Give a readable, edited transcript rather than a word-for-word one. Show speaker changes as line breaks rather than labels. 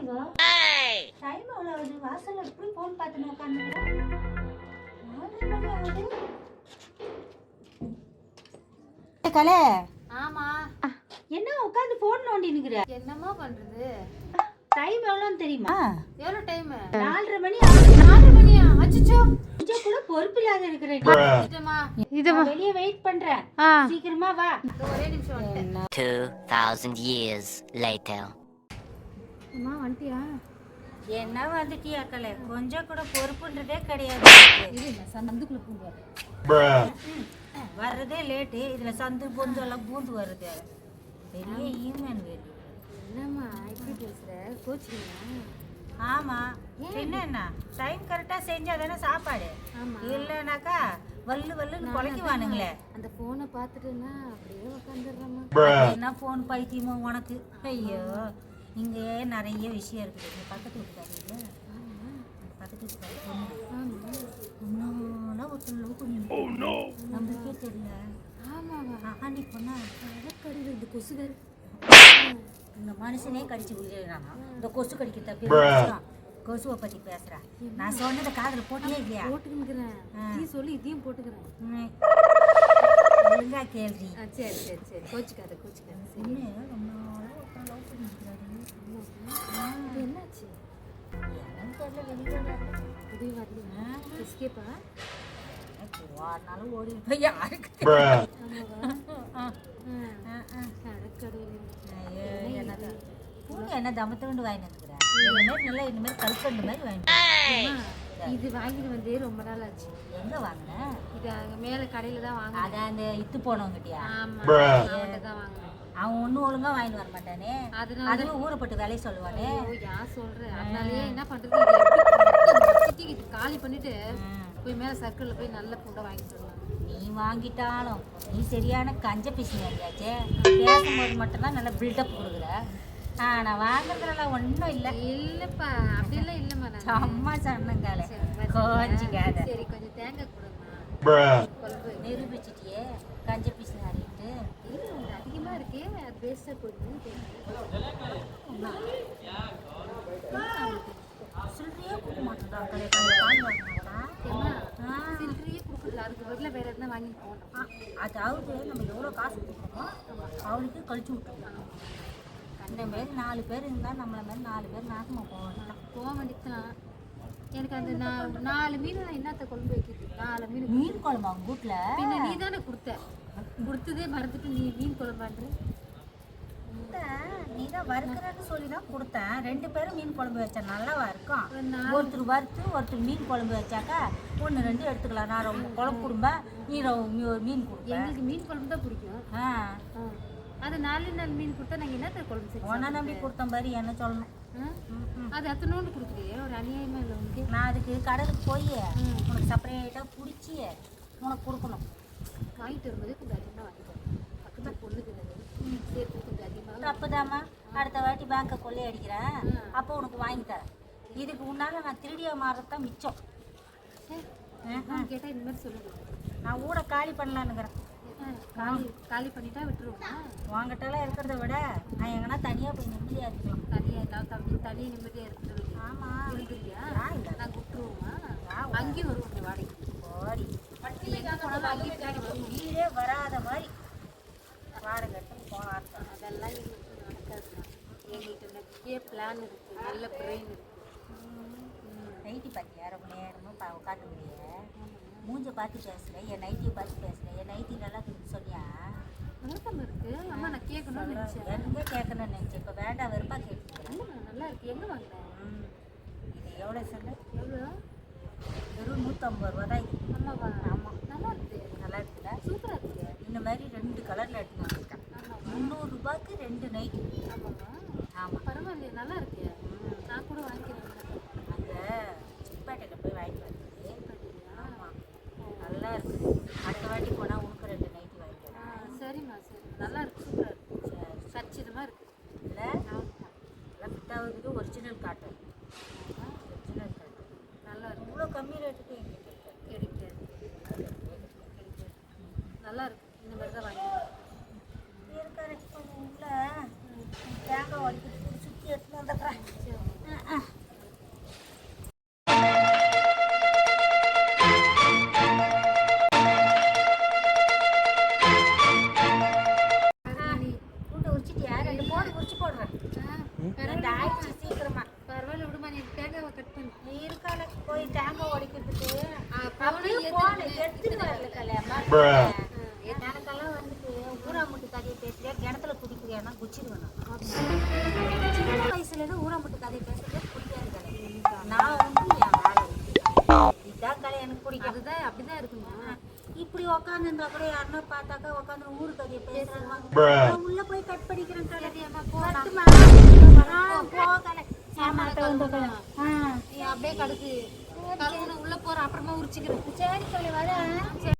Time எவ்வளோ ஆகுது? வாசல்ல எப்படி ஃபோன் பார்த்துன்னு உட்காந்துக்கிறேன். 4:30 மணி ஆகுது. கலை.
ஆமா.
என்ன உட்காந்து ஃபோன் நோண்டினுக்குற?
என்னமா பண்றது?
டைம் எவ்வளோன்னு தெரியுமா?
எவ்வளோ டைம்?
4:30 மணி ஆகுது.
4 மணியா? அச்சச்சோ.
கொஞ்சம் கூட பொறுப்பு இல்லாத இருக்கிற.
இதுமா
வெளியே வெயிட் பண்றேன். சீக்கிரமா வா.
ஒரே நிமிஷம் வந்துட்டேன்.
2000 years later.
அம்மா வந்துட்டியா?
என்ன வந்துட்டியா கலை? கொஞ்சம் கூட பொறுப்புன்றதே கிடையாது.
சந்துக்குள்ள பூந்து
வர்றதே லேட்டு. இதுல சந்து பொந்து எல்லாம் பூந்து வருது. பெரிய ஈமன் வேலி.
என்னம்மா இப்படி பேசுற? கோச்சிங்களா?
ஆமா. என்ன டைம் கரெக்டா செஞ்சா தானே சாப்பாடு. இல்லைனாக்கா வல்லு வல்லுன்னு குலைக்குவானுங்களே.
அந்த போனை பார்த்துட்டுன்னா அப்படியே உட்காந்துடுறேம்மா.
என்ன போன் பைத்தியமோ உனக்கு? ஐயோ, இங்கே நிறைய விஷயம் இருக்குது. பக்கத்து வீட்டுக்காரங்க பக்கத்து வீட்டுக்காரங்க ஒருத்தர் லவ் பண்ணி நம்மளுக்கே தெரியல.
ஆமாவா?
ஆண்டி பொண்ணா
கடியில் இந்த கொசுகார்
இந்த மனுஷனே கடிச்சு விடுறானா? இந்த கொசு கடிக்க தப்பி கொசுவை பத்தி பேசுறா. நான் சொன்னதை காதுல போட்டியே இல்லையா?
போட்டுக்கிறேன். நீ சொல்லி இதையும் போட்டுக்கிறேன்.
ஒழுங்கா கேள்வி.
சரி சரி சரி, கோச்சிக்காத கோச்சிக்காத.
பொண்ணு ரொம்ப நாளாக ஒருத்தர் லவ் பண்ணிக்கிறாரு.
என்னாச்சு?
என்னன்னு தெரியல. வெளியே
வெளியே வரலையா? எஸ்கேப்பா?
ஓடினாலும் ஓடி போய் யாருக்கு என்ன தமத்தோண்டு வாங்கி வந்துக்கிறேன். இனிமேல் நல்லா இனிமேல் கல்கண்டு மாதிரி வாங்கிட்டு.
இது வாங்கிட்டு வந்து ரொம்ப நாள் ஆச்சு.
எங்க வாங்கினேன்?
இது அங்கே மேலே கடையில் தான் வாங்க.
அதான் அந்த இத்து போனவங்கிட்டியா?
ஆமாம், அவன்கிட்ட தான் வாங்கினேன்.
அவன் ஒன்றும் ஒழுங்கா வாங்கிட்டு வர மாட்டானே. அதுவும் ஊறப்பட்டு வேலையை சொல்லுவானே.
யார் சொல்கிறேன்? அதனாலயே என்ன பண்ணுறது, காலி பண்ணிட்டு போய் மேலே சர்க்கிளில் போய் நல்ல ஃபுட்டை வாங்கிட்டு வரலாம்.
நீ வாங்கிட்டாலும் நீ சரியான கஞ்ச பிசினாச்சே. பேசும்போது மட்டும்தான் நல்லா பில்டப் கொடுக்குற. நான் வாங்குறதுலாம் ஒன்றும் இல்லை.
இல்லைப்பா, அப்படியெல்லாம் இல்லைம்மா. நான்
அம்மா சொன்னங்கால கோச்சிக்காத.
சரி, கொஞ்சம் தேங்காய் கொடுமா.
நிரூபிச்சிட்டியே கஞ்ச பிசினாரிட்டு.
அதிகமாக இருக்கே, அது வேஸ்ட்டாக போகுது.
சில்லறையே கொடுக்க மாட்டேன்டா.
சில்லறையே கொடுக்குறது, அதுக்கு பதிலாக வேறு எதுனா வாங்கிட்டு போகணும்.
அதாவது நம்ம எவ்வளோ காசு கொடுக்குறோமோ அவளுக்கு கழிச்சு விட்டுருவோம். இந்த மாரி 4 பேர் இருந்தால் நம்மளை மாதிரி 4 பேர் நாசமாக போக
வேண்டியதுதான். எனக்கு அந்த 4 மீன் நான் என்னத்த குழம்பு வைக்கிறது? 4
மீன் குழம்பு அவங்க வீட்டில்
பின்ன நீ தானே கொடுத்ததே மறந்துட்டு நீ மீன் குழம்பான்ற.
நீ தான் வறுக்கிறன்னு சொல்லி தான் கொடுத்தேன். 2 பேரும் மீன் குழம்பு வச்சா நல்லாவா இருக்கும்? ஒருத்தர் வறுத்து ஒருத்தர் மீன் குழம்பு வச்சாக்கா 1 2 எடுத்துக்கலாம். நான் ரொம்ப குழம்பு கொடுப்பேன், நீ மீன் கொடுப்பேன்.
எங்களுக்கு மீன் குழம்பு தான் பிடிக்கும். அது 4 மீன் கொடுத்தா நாங்கள் என்னத்த குழம்பு செய்வோம்?
ஒன்றா நம்பி கொடுத்த மாதிரி என்ன சொல்லணும்?
அது அத்தனோண்டு கொடுக்குறியே, ஒரு அநியாயமாக இல்லை உனக்கு.
நான் அதுக்கு கடலுக்கு போய் உனக்கு செப்பரேட்டாக பிடிச்சி உனக்கு கொடுக்கணும்.
வாங்கிட்டு வரும்போதே கொஞ்சம் அதிகமாக வாங்கிட்டேன். பக்கத்தில் பொண்ணுக்கு சேர்த்து கொஞ்சம் அதிகமாக.
தப்புதாம்மா, அடுத்த வாட்டி பேங்கை கொள்ளை அடிக்கிறேன், அப்போ உனக்கு வாங்கி தரேன். இதுக்கு முன்னால் நான் திருடியா மாறுறது தான் மிச்சம்.
கேட்டால் இந்த மாதிரி சொல்லுங்க.
நான் ஊட காலி பண்ணலான்னுக்கிறேன்.
காலி பண்ணிட்டா விட்டுருவோமா?
வாங்கிட்டாலாம் இருக்கிறத விட நான் எங்கன்னா தனியாக போய் நிம்மதியாக இருக்கலாம்.
தனியாக நிம்மதியாக இருக்கிறது.
ஆமாம்,
இருக்குல்லையா? நாங்கள் விட்டுருவோமா? அங்கேயும் வருவோம் வாடகைக்கு.
ஓடி
எங்கே போனாலும் அங்கேயும் பின்னாடி வருவோம்.
வீடே வராத மாதிரி வாடகை எடுத்து போகலாம்.
அதெல்லாம் எங்களுக்கு நடக்காதுண்ணா. எங்கள்கிட்ட நிறைய பிளான் இருக்குது, நல்ல பிரெயின் இருக்குது.
நைட்டி பார்த்தியா? ரொம்ப நேரமும் உட்காந்து முடிய மூஞ்ச பார்த்து பேசுகிறேன், என் நைட்டியை பார்த்து பேசுகிறேன். என் நைட்டி நல்லா இருக்குன்னு சொன்னியா?
நல்லாத்தாம இருக்குது. அம்மா நான் கேட்கணும்னு நினச்சேன்.
எங்கே கேட்கணும்னு நினச்சேன். இப்போ வேண்டாம், வெறுப்பாக கேட்டுக்கிறேன்.
நல்லா இருக்குது. எங்கே வாங்கினேன்?
இது எவ்வளோ சொல்லு?
எவ்வளோ?
வெறும் 150 ரூபா தான் இது.
ஆமாவா?
ஆமாம்,
நல்லா இருக்குது.
நல்லா இருக்குல்ல?
சூப்பராக இருக்குது.
இந்த மாதிரி 2 கலரில் எடுத்து வச்சுருக்கேன். 300 ரூபாய்க்கு 2 நைட்டி.
ஆமாம்மா.
ஆமாம்,
பரவாயில்லையே, நல்லா இருக்கு. நான் கூட வாங்கிக்கிறேன்.
அங்கே சிப்பேட்டையில் போய் வாங்கிட்டு வந்து. ஆமாம், நல்லா இருக்குது. அடுத்த வாட்டி போனால் உனக்கு 2 நைட்டி வாங்கிக்கிறேன்.
சரிம்மா, சரி. நல்லா இருக்குது, சூப்பராக இருக்குது. சரி, கச்சிதமாக இருக்குது.
இல்லை நல்லா ஃபிட்டாகுது. Original cotton. ஒரிஜினல் காட்டன்
நல்லா இருக்குது.
இவ்வளோ கம்மி ரேட்டுக்கு எங்களுக்கு
கிடைக்காது. நல்லா இருக்குது. இந்த மாதிரி தான் வாங்கிக்கிறேன்.
இருக்காரு உள்ள தேங்காய் உடைக்கிறதுக்கு சுற்றி எடுத்துன்னு வந்துடுறேன். 2 போடு குறிச்சு போடுறேன். ரெண்டு ஆயிடுச்சு சீக்கிரமா.
பரவாயில்ல விடுமா, நீ தேங்காவை கட் பண்ணு.
நீ இருக்கால போய் தேங்காய் உடைக்கிறதுக்கு
போன
போன எடுத்துட்டு வரல கல்யாணம் எனக்கெல்லாம் வந்துட்டு ஊராமுட்டு கதையை பேசுறியா கிணத்துல குடிக்கிறியானா குச்சிடுவேன். சின்ன வயசுல இருந்து ஊராமுட்டு கதையை பேசுறது பிடிக்காது கலை. நான் வந்து என் வேலை இதான் கலை எனக்கு பிடிக்கும்.
அதுதான் அப்படிதான் இருக்குமா.
இப்படி உக்காந்துருந்தா கூட யாருன்னா பார்த்தாக்கா உட்காந்து ஊரு கதையை பேசுறாங்க. உள்ள போய் கட் பண்ணிக்கிறேன் கலை. போ கலை.
நீ அப்படியே கடுக்கு உள்ள போற, அப்புறமா உரிச்சுக்கிறேன்.
சரி கலை வர.